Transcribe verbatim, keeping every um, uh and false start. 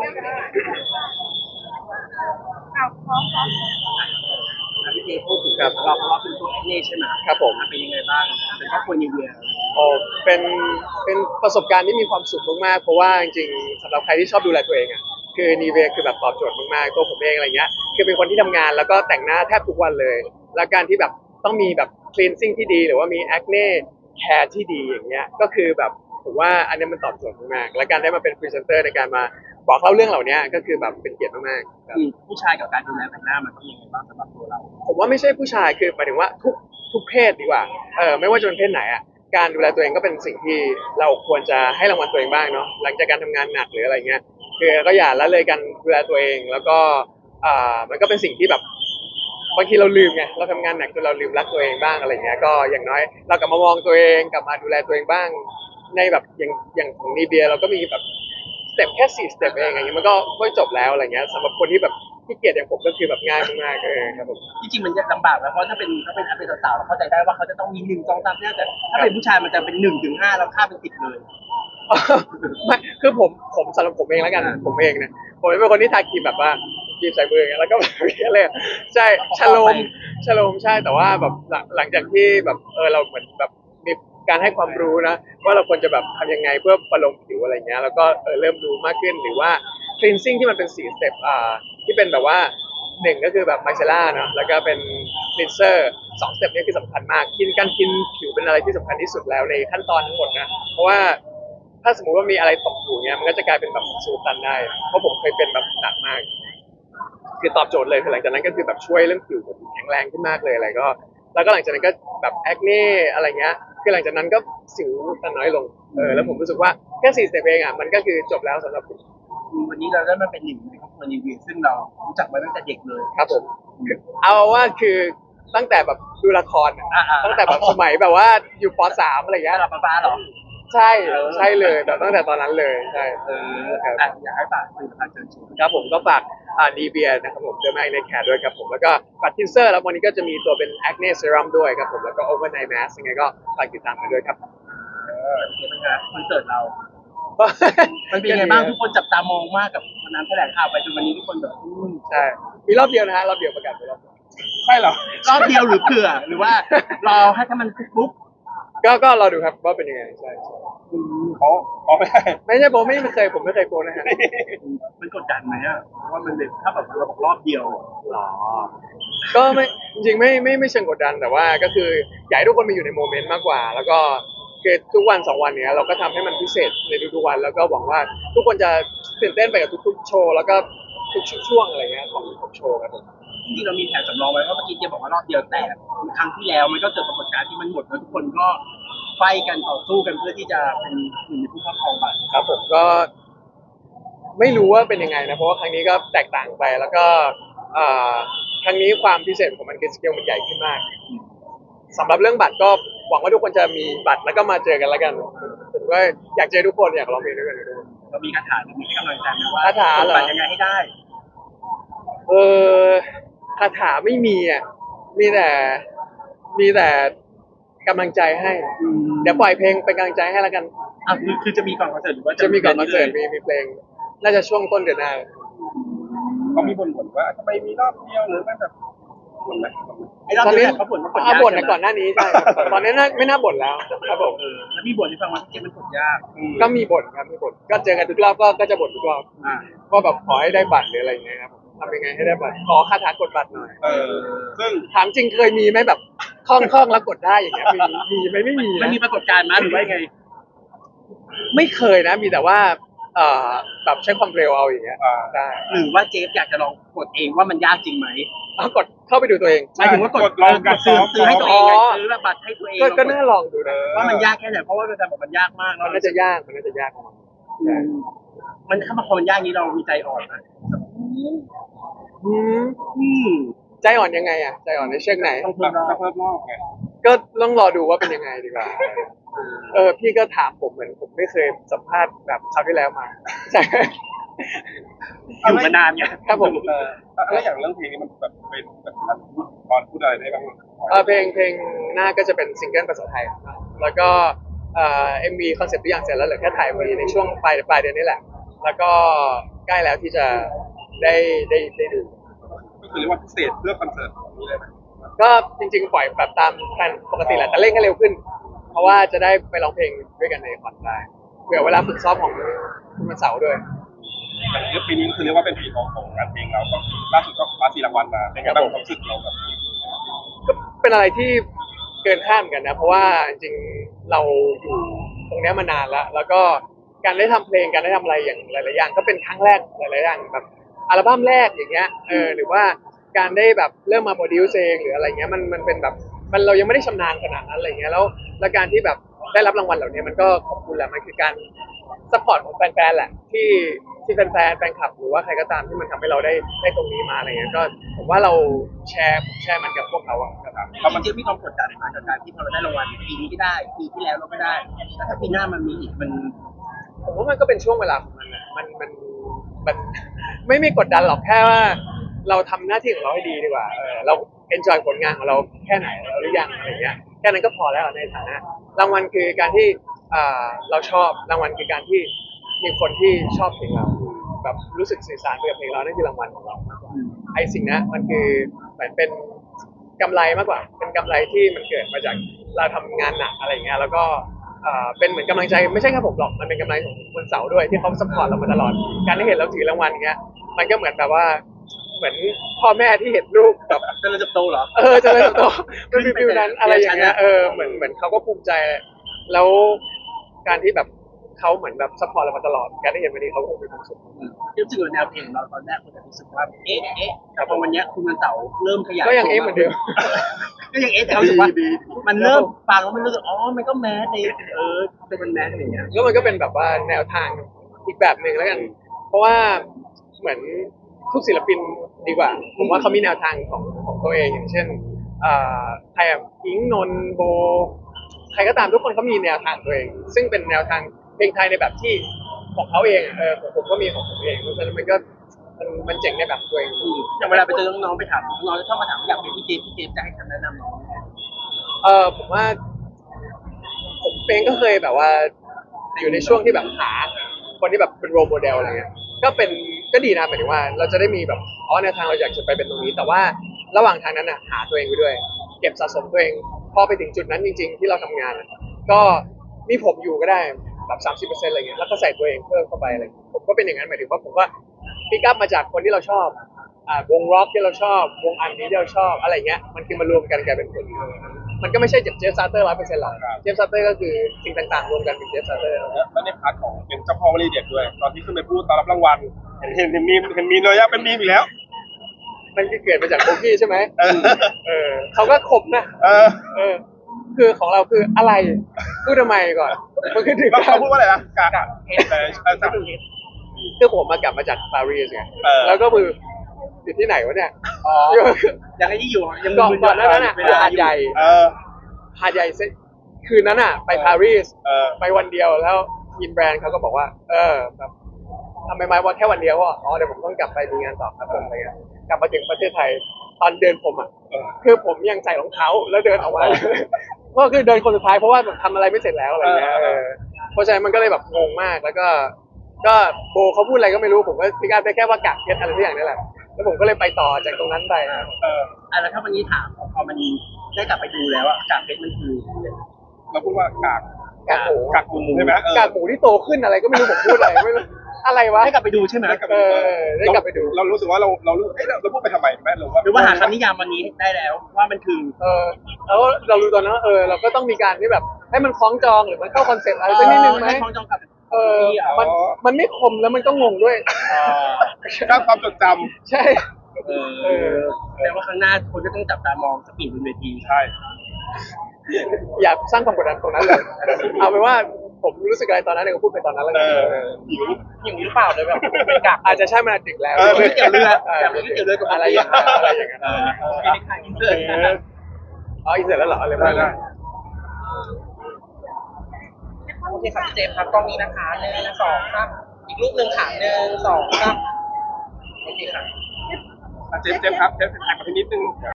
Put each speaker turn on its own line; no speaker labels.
เอาพร้อมพร้อมพี่เจพูดถึงครับเราเพราะว่าเป็นตัวแอคเน่ใช่ไหมครับผมเป็นยังไงบ้างเป็นครอบครัวนิวเวีย
โอ้เป็นเป็นประสบการณ์ที่มีความสุขมากๆเพราะว่าจริงๆสำหรับใครที่ชอบดูแลตัวเองอ่ะคือนีเวคือแบบตอบโจทย์มากๆตัวผมเองอะไรเงี้ยคือเป็นคนที่ทำงานแล้วก็แต่งหน้าแทบทุกวันเลยแล้วการที่แบบต้องมีแบบ cleansing ที่ดีหรือว่ามี acne care ที่ดีอย่างเงี้ยก็คือแบบผมว่าอันนี้มันตอบโจทย์มากๆและการได้มาเป็นพรีเซนเตอร์ในการมาบอกเล่าเรื่องเหล่านี้ก็คือแบบเป็นเกียรติมากๆครับ
ผู้ชายกับการดูแลแต่งหน้ามันต้องยังไงบ้างสำหรับตัวเรา
ผมว่าไม่ใช่ผู้ชายคือหมายถึงว่าทุกทุกเพศดีกว่าเออไม่ว่าจะเป็นเพศไหนอ่ะการดูแลตัวเองก็เป็นสิ่งที่เราควรจะให้รางวัลตัวเองบ้างเนาะหลังจากการทำงานหนักหรืออะไรเงี้ยคือก็อย่าละเลยการดูแลตัวเองแล้วก็อ่ามันก็เป็นสิ่งที่แบบบางทีเราลืมไงเราทำงานหนักจนเราลืมรักตัวเองบ้างอะไรเงี้ยก็อย่างน้อยเรากลับมามองตัวเองกลับมาดูแลตัวเองบ้างในแบบอย่างอย่างของนีเบียเราก็มีแบบสเต็ปแค่สี่สเต็ปเองอย่างเงี้ยมันก็ก็จบแล้วอะไรเงี้ยสำหรับคนที่แบบที่เกียจอย่างผมก็คือแบบง่ายมากๆเออครับผม
จริงๆมันจะลำบากนะเพราะถ้าเป็นถ้าเป็นถ้าเป็นสาวๆเราเข้าใจได้ว่าเขาจะต้องมีหนึ่งสองสามเนี่ยแต่ถ้าเป็นผู้ชายมันจะเป็นหนึ่งถึงห้าแล้วข้ามเป็นสิบเลย
ไม่คือผมผมสำหรับผมเองแล้วกันผมเองเนี่ยผมเป็นคนที่ทาครีมแบบว่าครีมใส่มืออย่างเงี้ยแล้วก็แบบนี้เลยใช่ชโลมชโลมใช่แต่ว่าแบบหลังหลังจากที่แบบเออเราเหมือนแบบมีการให้ความรู้นะว่าเราควรจะแบบทำยังไงเพื่อประโลมผิวอะไรเงี้ยแล้วก็เออเริ่มรู้มากขึ้นหรือว่า cleansing ที่มันเป็นสี่สเต็ปอ่าที่เป็นแบบว่าหนึ่งก็คือแบบไมเซล่าเนาะแล้วก็เป็น cleanser สองสเต็ปนี้คือสำคัญมากกินการกินผิวเป็นอะไรที่สำคัญที่สุดแล้วในขั้นตอนทั้งหมดนะเพราะว่า ถ้าสมมติว่ามีอะไรตกอยู่เนี้ยมันก็จะกลายเป็นแบบสูตันได้เพราะผมเคยเป็นแบบหนักมากคือตอบโจทย์เลยคือหลังจากนั้นก็คือแบบช่วยเรื่องผิวผมแข็งแรงขึ้นมากเลยอะไรก็แล้วก็หลังจากนั้นก็แบบแอคเน่อะไรเงี้ยคือหลังจากนั้นก็สิวตันน้อยลงเออแล้วผมรู้สึกว่าแค่สี่สเต็ปเองอ่ะมันก็คือจบแล้วสำหรับผม
วันนี้เราได้มาเป็นหนึ่งในครอบครัวนิวเวียซึ่งเรารู้จักมาตั้งแต่เด็กเลย
ครับผมเอาว่าคือตั้งแต่แบบดูละครอะ
อ่าๆ
ตั้งแต่แบบสมัยแบบว่าอยู่ป .สาม อะไรเงี้ย
หลับฟ้าเหรอ
ใช่ใช่เลยแบบตั้งแต่ตอนนั้นเลยใช่
เออ
ครับ
อ่ะอยากให้ฝากผลิตภัณฑ์เชิญชวน
ครับผมก็ฝากอ่าดีเบียนะครับผมเดอร์มาในแคร์ด้วยครับผมแล้วก็ฝากทินเซอร์แล้ววันนี้ก็จะมีตัวเป็นแอคเน e เซรั่มด้วยครับผมแล้วก็โอเวอร์ไนท์แมสยังไงก็ฝากติดตามกันด้วยครับ
เออเดี๋ยวเป็นไงคอนเสิร์ตเรา มันเป็นยังไงบ้างทุกคนจับตามองมากกับวันนั้นแถลงข่าวไปจนวันนี้ทุกคนแบบอืม
ใช่มีรอบเดียวนะฮะรอบเดียวประกาศไปรอบเดียว
ใช่เหรอรอบเดียวหรือเผื่อหรือว่ารอให้ถ้ามันปุ๊บ
ก็ก็รอดูครับว่าเป็นยังไงใช่ใช่
อืมอ๋ออ๋อไม่ใช่
ไม่ใช่ผมไม่เคยผมไม่เคยโกนนะฮะ
มันกดดันไหมอ่ะเพราะว่ามันเป็นถ้าแบบเราบอกรอบเดียว
หรอก็ไม่จริงๆไม่ไม่ไม่เชิงกดดันแต่ว่าก็คืออยากให้ทุกคนมาอยู่ในโมเมนต์มากกว่า แล้วก็คือทุกวันสองวันเนี้ยเราก็ทำให้มันพิเศษในทุกๆวันแล้วก็หวังว่าทุกคนจะตื่นเต้นไปกับทุกๆโชว์แล้วก็ทุกช่วงอะไรเงี้ยของของโชว์ครับผม
จริงๆเรามีแผนสำรองไว้ว่าเมื่อกี้เจ๊บอกว่ารอบเดียวแต่ครั้งที่แล้วมันก็เกิดปรากฏการณ์ที่มันหมดแล้วทุกคนก็ไฟกันต่อสู้กันเพื่อที่จะเป็นหนึ่งในผู้ครอบครองบัตร
ครับผมก็ไม่รู้ว่าเป็นยังไงนะเพราะว่าครั้งนี้ก็แตกต่างไปแล้วก็เอ่อครั้งนี้ความพิเศษของมันคือสเกลมันใหญ่ขึ้นมากสำหรับเรื่องบัตรก็หวังว่าทุกคนจะมีบัตรแล้วก็มาเจอกันแล้วกันผมก็อยากเจอทุกคนอยากร้องเพลงด้วยกันด้วย
เรามีคาถาหรือมีให้กำลังใจไหมว่า
คาถาเหรอ
บัตรยังไงให้ได้
เออคาถาไม่มีอ่ะมีแต่มีแต่กำลังใจให้เดี๋ยวปล่อยเพลงเป็นกำลังใจให้แล้วกัน
อ่ะคือคือจะมีก่อนคอนเสิร์ตหรือว่า
จะมีก่อนคอนเสิร์ตมีมีเพลงน่าจะช่วงต้นเดือนหน้า
เขามีบ่นๆว่าทำไมมีรอบเดียวหรือไม่แบบบ่นไหมไอ้รอบ
ตอน
เดี
นี้
ยวเขาบ่นว่าบ่นาก
อ่ายบ่นใน
ใช่ไหม
ก่อนหน้านี้ใช่ครับตอนนี้น่าไม่น่าบ่นแล้วครับผม
เออแล้วมีบ่นให้ฟังว่าเกมมันกดยาก
ก็มีบ่นครับมีบ่นก็เจอกันทุกรอบก็ก็จะบ่นทุกรอบ
อ่า
ว่าแบบขอให้ได้บัตรหรืออะไรอย่างเงี้ยครับทำยังไงให้ได้บัตรขอคาถากดบัตรหน่อย
เออซึ่ง
ถามจริงเคยมีไหมแบบคล่องคล่องแล้วกดได้อย่างเงี้ยมีมีไหมไม่มี
มัน
นะ
มีปรากฏการณ์มั้ยหรือว่าไง
ไม่เคยนะมีแต่ว่าเอ่อแบบใช้ความเร็วเอาอย่างเงี้ยได้
หรือว่าเจฟอยากจะลองกดเองว่ามันยากจริงไหม
เอากดเข้าไปดูตัวเอง
หมายถึงว่ากดลองกดซื้อซื้อให้ตัวเองไงซื้อบัตรให้ตัวเอง
ก็ก็น่าลองดูนะ
ว่ามันยากแค่ไหนเพราะว่าอาจารย์บอกมันยากมาก
มันน่าจะยากมันน่าจะยากของมัน
อืมมันถ้ามาพอมันยากนี้เรามีใจอ่อนนะ
อืม
อืม
ใจอ่อนยังไงอ่ะใจอ่อนในเชิงไหน
ต้องเพิ่มรอบเพิ่มรอบไง
ก็ต้องรอดูว่าเป็นยังไงดีกว่า เออพี่ก็ถามผมเหมือนผมไม่เคยสัมภาษณ์แบบคราวที่แล้วมาใช่
อยู่มานานไง
ครับผม
เออแล้วอย่างเรื่องเพลงนี้มันแบบเป็นแบบท่านพูดตอนพูดอะไรได้บ้าง
เออเพลงเพลงหน้าก็จะเป็นซิงเกิลภาษาไทยครับแล้วก็เอ่อเอ็มวีคอนเซ็ปต์ทุกอย่างเสร็จแล้วเหลือแค่ถ่ายวีในช่วงปลายปลายเดือนนี้แหละ แล้วก็ใกล้แล้วที่จะได้ได้ได้ดู
ก็คือเรียกว่าพิเศษเพื่อคอนเสิร์ตนี้เลยไหม
ก็จริงๆปล่อยแบบตามแผนปกติแหละแต่เร่งให้เร็วขึ้น เพราะว่าจะได้ไปร้องเพลงด้วยกันในคอนได้เผื่อเวลาฝึกซ้อมของคุณวันเสาร์ด้วย
อย่างนี้ปีนี้คือเรียกว่าเป็นปีทองของงานเพลงเราก็ล่าสุดก็คว้าสี่รางวัลมาเป็นไงบ้างความรู้สึกเราแบบนี้
ก็เป็นอะไรที่เกินคาดเหมือนกันนะเพราะว่าจริงๆเราอยู่ตรงเนี้ยมานานแล้ว แล้วก็การได้ทำเพลงการได้ทำอะไรอย่างหลายๆอย่างก็เป็นครั้งแรกหลายๆอย่างแบบอัลบั้มแรกอย่างเงี้ยเออหรือว่าการได้แบบเริ่มมาโปรดิวซ์เองหรืออะไรเงี้ยมันมันเป็นแบบมันเรายังไม่ได้ชำนาญขนาดนั้นอะไรเงี้ยแล้วแล้วการที่แบบได้รับรางวัลเหล่านี้มันก็ขอบคุณแหละมันคือการซัพพอร์ตของแฟนๆแหละที่ที่แฟนๆแฟนคลับหรือว่าใครก็ตามที่มันทำให้เราได้ได้ตรงนี้มาอะไรเงี้ยก็ผมว่าเราแชร์แชร์มันกับพวกเขาอะครับ
เพราะมันจะมีความกดดันมากับการที่พอเราได้รางวัลปีนี้ไม่ได้ปีที่แล้วเราไม่ได้แล้วถ้าปีหน้ามันมีอีกมัน
ผมว่ามันก็เป็นช่วงเวลาของมันนะมันมันมัน ไม่มีกดดันหรอกแค่ว่าเราทำหน้าที่ของเราให้ดีดีกว่าเออเราเอนจอยผลงานของเราแค่ไหนแล้วหรือยังอะไรเงี้ยแค่นั้นก็พอแล้วในฐานะรางวัลคือการที่อ่าเราชอบรางวัลคือการที่มีคนที่ชอบเพลงเราแบบรู้สึกสื่อสารไปกับเพลงเรานั่นคือรางวัลของเรามากกว่าไอ้สิ่งนั้นมันคือเหมือนเป็นกำไรมากกว่า เป็นกำไรที่มันเกิดมาจากเราทำงานหนักอะไรเงี้ยแล้วก็อ่าเป็นเหมือนกำลังใจไม่ใช่แค่ผมหรอกมันเป็นกำลังของวันเสาร์ด้วยที่เขาซัพพอร์ตเรามาตลอดการที่เห็นเราถือรางวัลอย่างเงี้ยมันก็เหมือนแบบว่าเหมือนพ่อแม่ที่เห็นลูกแบบ
จะเราจะโตเหรอ
เออเจะเลยโตมันมีฟิลนั้นอะไรอย่างเงี้ยเออเหมือนเหมือนเขาก็ภูมิใจแล้วการที่แบบเขาเหมือนแบบซัพพอร์ตเรามาตลอดการที่เห็นวันนี้เขาคงมีความสุข
รู้สึกว่าแนวเพลงของเราตอนแรกคนจะรู้สึกว่าเอ๊ะเอ๊ะแต่พอวันเนี้ยคุณวันเสาร์เริ่มขยาย
ก็ยังเอ๊ะเหมือนเดิม
ก็ยังเอ๊ะแต่เขารู้สึกว่า
ดี
มันเริ่มฟังแล้วมันรู้สึกอ๋อมันก็แมสในเออเป็นมันแมสอะไรอย่างเงี้ย
แล้วมันก็เป็นแบบว่าแนวทางอีกแบบหนึ่งแล้วกัน เพราะว่าเหมือนทุกศิลปินดีกว่า ผมว่าเขามีแนวทางของของตัวเองอย่างเช่นอ่าใครอะอิงนนท์โบ ใครก็ตามทุกคนเขามีแนวทางตัวเอง ซึ่งเป็นแนวทางเพลงไทยในแบบที่ของเขาเองอะเออผมผมก็มีของผมเองเพราะฉะนั้นมันก็มันมันเจ๋งในแบบตัวเอง
อืมอย่างเวลาไปเจอน้องๆไปถามน้องๆจะชอบมาถามว่าอยากเป็นพี่เจฟพี่เจฟจะให้คำแนะนำน้องยังไง
เออผมว่า ผมเองก็เคยแบบว่า อยู่ในช่วงที่แบบหาคนที่แบบเป็นโรโมเดลอะไรเงี้ยก็เป็นก็ดีนะหมายถึงว่า เราจะได้มีแบบอ๋อแนวทางเราอยากจะไปเป็นตรงนี้ แต่ว่าระหว่างทางนั้นอ่ะหาตัวเองไปด้วย เก็บสะสมตัวเองพอไปถึงจุดนั้นจริง ๆ ที่เราทำงานอะก็มีผมอยู่ก็ได้แบบสามสิบเปอร์เซ็นต์อะไรเงี้ยแล้วก็ใส่ตัวเองเพิ่มเข้าไปอะไรเงี้ยผมก็เป็นอย่างนั้นหมายถึงว่าผมก็พิกอัพมาจากคนที่เราชอบอ่าวงร็อกที่เราชอบวงอันนี้ที่เราชอบอะไรเงี้ยมันคือมารวมกันกลายเป็นผลมันก็ไม่ใช่เจฟเจฟซาเตอร์ร้อยเปอร์เซ็นต์หรอกเจฟซาเตอร์ก็คือสิ่งต่างๆรวมกันเป็นเจฟซาเตอร์
แล้วในพาร์ทของเป็นเจ้าพ่อวลีเด็ดด้วย ตอนที่ขึ้นไปพูดตอนรับรางวัลเห็นเห็นเห็นมีมเห็นมีเลยอะเป็นมีมอีกแล้ว
มันคือเกิดมาจากโบกี้ใช่ไหม
เออ
เออเขาก็คมนะ
เออ
เออ คือของเราคืออะไร พูดทำไมก่อน มันคือถึง
แล้ว
กา
เขา
ร
พูดว่าอะไรนะกากแต่ใช่ใช่
คือผมมากลับมาจากปารีสไง
เออ
แล้วก็คืออยู่ที่ไหนวะเนี่ย
อ๋อยังไอ้ที่อยู่ยัง
ก่อน
มึๆ
ก่อนหน้านั้นอ่ะ
เว
คือ
ล
หาดใหญ่
เออ
หาดใหญ่เสร็จคืนนั้นอ่ะ ไปปารีส
เออ
ไปวันเดียวแล้วยินแบรนด์เขาก็บอกว่า เออแบบทำไมมาวันแค่วันเดียวอ่ะอ๋อเดี๋ยวผมต้องกลับไปมีงานต่อครับผมอะไรเงี้ยกลับมาถึงประเทศไทยตอนเดินผมอ่ะ
เออ
คือผมยังใส่รองเท้าแล้วเดินออกมา ก็คือเดินคนสุดท้ายเพราะว่าแบบทำอะไรไม่เสร็จแล้วอะไรเงี้ย
เออ
เออเพราะฉะนั้นมันก็เลยแบบงงมากแล้วก็ ก็โบเขาพูดอะไรก็ไม่รู้ผมก็พิการได้แค่ว่ากะเพชรอะไรทุกอย่างนี่แหละแล้วผมก็เลยไปต่อจากตรงนั้นไป
เออ
อ่ะแล้วถ้าวันนี้ถามพอมันได้กลับไปดูแล้วอะจากเพชรมันคือ
เราพูดว่ากาก
กากหมู
กากหมูใช่ไหมเออก
ากหมูที่โตขึ้นอะไรก็ไม่รู้ผมพูดอะไรไม่รู้อะไรวะ
ได้กลับไปดูใช่ไหม
ได้กลับ
เอ
ไปดู
อได้กลับไปดู
เรารู้สึกว่าเราเรารู้สึกเอ๊ะเราพูดไปทำไมแม่หรือว่า
หรือว่าหาคำนิยามวันนี้ได้แล้วว่ามันคือ
เออแล้วเรารู้ตอนนั้นว่าเออเราก็ต้องมีการที่แบบให้มันคล้องจองหรือมันเข้าคอนเซ็ปต์อะไรสักนิดนึงไหม
ให้คล้องจองกับ
เออมันมันไม่คมแล้วมันก็งงด้วย
สร้างความจดจ
ใช่
เออแต่ว่าครั้งหน้าคนก็ต้องจับตามองสปีดบนเวที
ำใช่
อย่าสร้างความกดดันตรงนั้นเลย เอาเป็นว่าผมรู้สึกอะไรตอนนั้นเนี่ยก็พูดไปตอนนั้นแล้ว
เอ
กัน
อ
เออ
หิว
อย่างนี้หรือเปล่าเลยแบบเป็นกาก
อาจจะใช่มันดึกแล้ว
เออ
ไม่เกี่ยวเรือแต่ไม่เกี่ยวเรือกับ
อะไรอย่างนั้นอะไรอย่างนั้น
เออไม่ได้ขายอินเตอร์นะ
อ๋ออีกเสร็จแล้วเหรออะไร
ได้
ไม่
ได้
ได้
โอเคครับพี่เจมส์ครับกล้องนี้นะคะหนึ่งสองครับอีกรูปหนึ่งค่ะหนึ่งสองครับโอเคค่ะ
อ่ะเจมส์เจมส์ครับเจมส์แท็กมาทีนิดนึง